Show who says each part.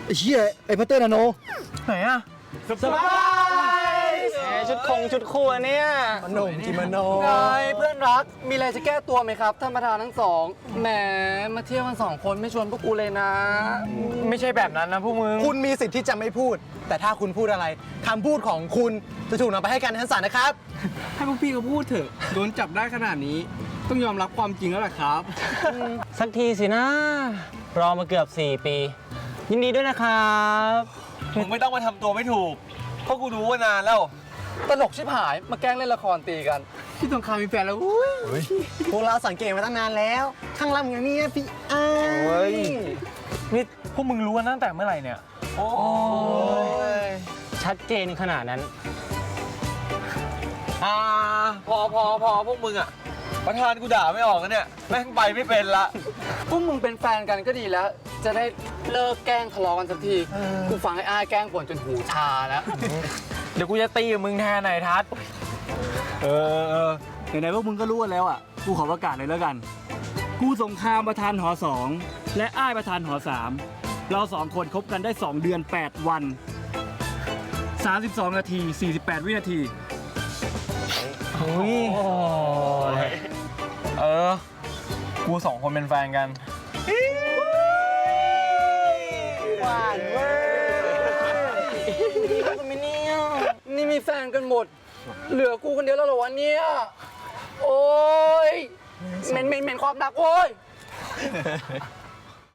Speaker 1: ไอ้เหี้ยไอ้พัตเตอร์นาโน
Speaker 2: ไหนอะเซอร์ไพรส์ชุดคู่อันเนี้ย
Speaker 1: มโนกิมโน
Speaker 3: ไงเพื่อนรักมีอะไรจะแก้ตัวไหมครับท่านประธานทั้งสองแหมมาเที่ยวกัน2 คนไม่ชวนพวกกูเลยนะ
Speaker 2: ไม่ใช่แบบนั้นนะพวกมึง
Speaker 1: คุณมีสิทธิ์ที่จะไม่พูด แต่ถ้าคุณพูดอะไรคำพูดของคุณจะถูกนำไปให้การในชั้นศาลนะครับ
Speaker 4: ให้พวกพี่เขาพูดเถอะโดนจับได้ขนาดนี้ ต้องยอมรับความจริงแล้วแหละครับ
Speaker 2: สักทีสินะ รอมาเกือบ 4 ปี ยินดีด้วยนะครับ
Speaker 5: มึงไม่ต้องมาทำตัวไม่ถูก เพราะกูรู้ว่านานแล้ว
Speaker 3: ตลกชิบหายมาแกล้งเล่นละครตีกัน
Speaker 4: พี่สงครามมีแฟนแล้วอุ้ย
Speaker 1: พวกเราสังเกตมาตั้งนานแล้ว ข้างล่างอย่างนี้พี่อ้า
Speaker 2: เฮ้ย
Speaker 5: นี่พวกมึงรู้กันตั้งแต่เมื่อไหร่เนี่ย โอ้ย
Speaker 2: ชัดเจนขนาดนั้น
Speaker 5: พอพวกมึงอ่ะ ประธานกูด่าไม่ออกนะเนี่ย แม่งไปไม่เป็นละ
Speaker 3: พวกมึงเป็นแฟนกันก็ดีแล้ว จะได้เลิกแกล้งทะเลาะกันสักทีกูฟังไอ้อ้ายแกล้งป่วนจนหูชาแล้ว
Speaker 5: เดี๋ยวกูจะตีกับมึงแทนนายทัศน์
Speaker 4: ไหนๆพวกมึงก็รู้กันแล้วอ่ะ กูขอประกาศเลยแล้วกัน กูสงครามประธานหอ2และอ้ายประธานหอ3เรา2คนคบกันได้2 เดือน 8 วัน 32 นาที 48 วินาที
Speaker 5: กู2 คนเป็นแฟนกัน
Speaker 3: หวานเว้ยนี่มีแฟนกันหมด เหลือกูคนเดียวแล้วเหรอวะเนี่ย โอ้ยเหม็นความรักโว้ย